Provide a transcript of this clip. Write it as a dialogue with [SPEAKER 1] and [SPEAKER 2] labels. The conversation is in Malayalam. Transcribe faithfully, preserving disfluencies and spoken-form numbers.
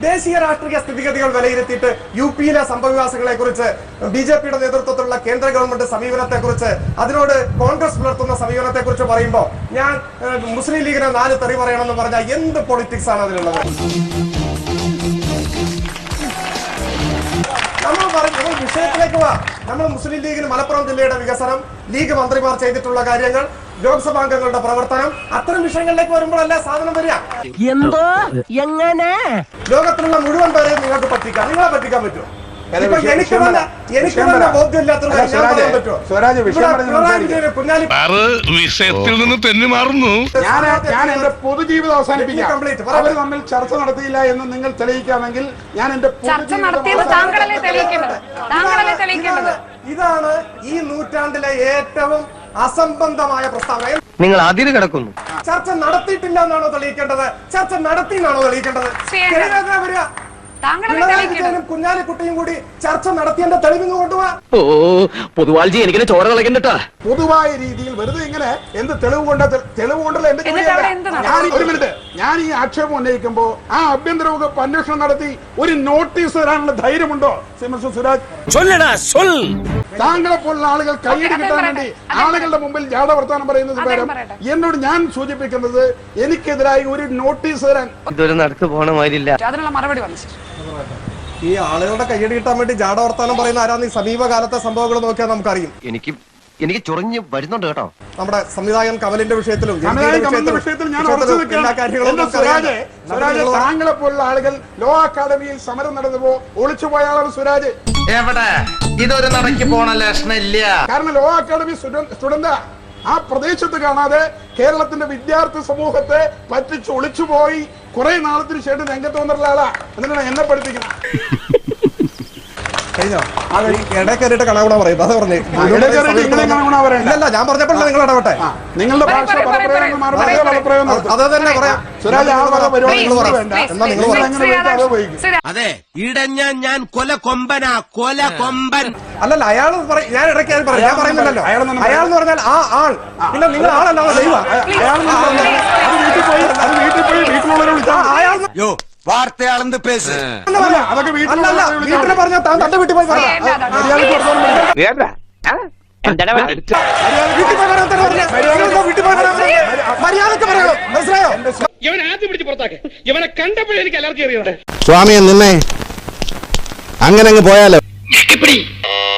[SPEAKER 1] ദേശീയ രാഷ്ട്രീയ സ്ഥിതിഗതികൾ വിലയിരുത്തിയിട്ട് യു പിയിലെ സംഭവവികാസങ്ങളെ കുറിച്ച് ബി ജെ പിയുടെ നേതൃത്വത്തിലുള്ള കേന്ദ്ര ഗവൺമെന്റ് സമീപനത്തെ കുറിച്ച് അതിനോട് കോൺഗ്രസ് പുലർത്തുന്ന സമീപനത്തെ കുറിച്ച് പറയുമ്പോൾ ഞാൻ മുസ്ലിം ലീഗിനെ നാല് തെറി പറയണമെന്ന് പറഞ്ഞാൽ എന്ത് പൊളിറ്റിക്സ് ആണ് അതിലുള്ളത്? നമ്മൾ പറഞ്ഞു വിഷയത്തിലേക്ക് വാ. നമ്മൾ മുസ്ലിം ലീഗിന് മലപ്പുറം ജില്ലയുടെ വികസനം, ലീഗ് മന്ത്രിമാർ ചെയ്തിട്ടുള്ള കാര്യങ്ങൾ, ലോക്സഭാംഗങ്ങളുടെ പ്രവർത്തനം, അത്തരം വിഷയങ്ങളിലേക്ക് വരുമ്പോഴല്ല സാധനം വരിക.
[SPEAKER 2] എന്തോ എങ്ങനെ
[SPEAKER 1] ലോകത്തിലുള്ള മുഴുവൻ പേരെയും നിങ്ങൾക്ക് പറ്റിക്കാം. നിങ്ങളെ പറ്റിക്കാൻ പറ്റുമോ? എനിക്ക് തന്നെ എനിക്ക് തന്നെ ബോധ്യമില്ലാത്ത
[SPEAKER 3] വിഷയത്തിൽ നിന്ന് തെന്നി മാറുന്നു.
[SPEAKER 4] ഞാൻ എന്റെ പൊതുജീവിതം അവസാനിപ്പിക്കാം. അവർ തമ്മിൽ ചർച്ച നടത്തിയില്ല എന്ന് നിങ്ങൾ തെളിയിക്കാമെങ്കിൽ ഞാൻ എന്റെ
[SPEAKER 1] ഇതാണ് ഈ നൂറ്റാണ്ടിലെ ഏറ്റവും അസംബന്ധമായ പ്രസ്താവന.
[SPEAKER 2] നിങ്ങൾ അതിര് കിടക്കുന്നു.
[SPEAKER 1] ചർച്ച നടത്തിയിട്ടില്ല എന്നാണോ തെളിയിക്കേണ്ടത്? ചർച്ച നടത്തി എന്നാണോ തെളിയിക്കേണ്ടത്? വരിക കുഞ്ഞാലിക്കുട്ടിയും കൂടി ചർച്ച നടത്തിയതിന്റെ തെളിവിങ് കൊണ്ടുപോവാ.
[SPEAKER 2] ഓ പൊതുവാൾജി എനിക്കിനെ ചോര കളക്കണ്ടട്ടാ.
[SPEAKER 4] പൊതുവായ രീതിയിൽ വെറുതെ ഇങ്ങനെ എന്ത് തെളിവ് കൊണ്ട് തെളിവ് കൊണ്ടല്ല എന്റെ ഞാൻ ഒരു മിനിറ്റ് ഞാൻ ഈ ആക്ഷേപം ഉന്നയിക്കുമ്പോ ആ ആഭ്യന്തര വകുപ്പ് അന്വേഷണം നടത്തി ഒരു നോട്ടീസ് തരാനുള്ള ധൈര്യമുണ്ടോ മിസ്റ്റർ സുരാജ്? താങ്കളെ പോലുള്ള ആളുകൾ കൈയ്യടി കിട്ടാൻ വേണ്ടി ആളുകളുടെ മുമ്പിൽ ജാഥ വർത്താനം പറയുന്നത് പകരം എന്നോട് ഞാൻ സൂചിപ്പിക്കുന്നത് എനിക്കെതിരായി ഒരു നോട്ടീസ് തരാൻ
[SPEAKER 2] ഇതൊരു നടക്ക് പോണ മാതിരില്ല.
[SPEAKER 5] അതിനുള്ള മറുപടി വന്നു.
[SPEAKER 1] ഈ ആളുകളുടെ കൈയ്യടി കിട്ടാൻ വേണ്ടി ജാഥ വർത്താനം പറയുന്ന ആരാന്ന് ഈ സമീപകാലത്തെ സംഭവങ്ങൾ നോക്കിയാൽ നമുക്കറിയും.
[SPEAKER 2] എനിക്ക് എനിക്ക് ചൊറിഞ്ഞ് വരുന്നുണ്ട് കേട്ടോ.
[SPEAKER 1] നമ്മുടെ സംവിധായകൻ കമലിന്റെ വിഷയത്തിലും
[SPEAKER 4] വിഷയത്തിൽ ഞാൻ താങ്കളെ പോലുള്ള ആളുകൾ ലോ അക്കാദമിയിൽ സമരം നടന്നപ്പോ ഒളിച്ചുപോയ ആളാണ് സുരാജ്.
[SPEAKER 6] എവിടെ ഇതൊരു നടക്കി പോണ ലക്ഷണില്ല.
[SPEAKER 4] കാരണം ലോ അക്കാദമി സ്റ്റുഡന്റ് ആ പ്രദേശത്ത് കാണാതെ കേരളത്തിന്റെ വിദ്യാർത്ഥി സമൂഹത്തെ പറ്റിച്ച് ഒളിച്ചുപോയി കുറെ നാളത്തിന് ശേഷം രംഗത്ത് വന്നിട്ടുള്ള ആളാ. എന്നിട്ടാണ് എന്നെ പഠിപ്പിക്കുന്നത്.
[SPEAKER 1] കഴിഞ്ഞോ? ഇടയ്ക്കേറിയിട്ട് കണകുണ പറയും. അത് പറഞ്ഞേ ഇല്ലല്ല, ഞാൻ പറഞ്ഞപ്പോൾ നിങ്ങൾ ഇടപെട്ടെ.
[SPEAKER 4] നിങ്ങളുടെ ഭാഷ
[SPEAKER 1] അത് തന്നെ പറയാം.
[SPEAKER 6] അതെ ഇടഞ്ഞ ഞാൻ കൊല കൊമ്പനാ കൊല കൊമ്പൻ.
[SPEAKER 1] അല്ലല്ല, അയാൾ ഞാൻ ഇടയ്ക്ക് പറയാം. ഞാൻ പറയുന്നില്ലല്ലോ. അയാൾ എന്ന് പറഞ്ഞാൽ ആ ആൾ. പിന്നെ നിങ്ങൾ ആളല്ലാതെ ദൈവം.
[SPEAKER 4] വീട്ടിൽ പോയി വീട്ടിലുള്ളവരെ വിളിച്ചാൽ
[SPEAKER 6] യോ വാർത്തയാളെന്ന് പേസ്
[SPEAKER 4] അതൊക്കെ
[SPEAKER 1] വീട്ടിൽ പറഞ്ഞാൽ താൻ തന്റെ വീട്ടിൽ പോയി മര്യാദക്ക് പറയൂ. മനസ്സിലായോ?
[SPEAKER 7] ഇവനെ ആദ്യം പിടിച്ച് പുറത്താക്കെ. ഇവനെ കണ്ടപ്പോഴേ എനിക്ക് അലർജി അറിയാം.
[SPEAKER 8] സ്വാമിയെ നിന്നെ അങ്ങനെ അങ്ങ് പോയാലോ.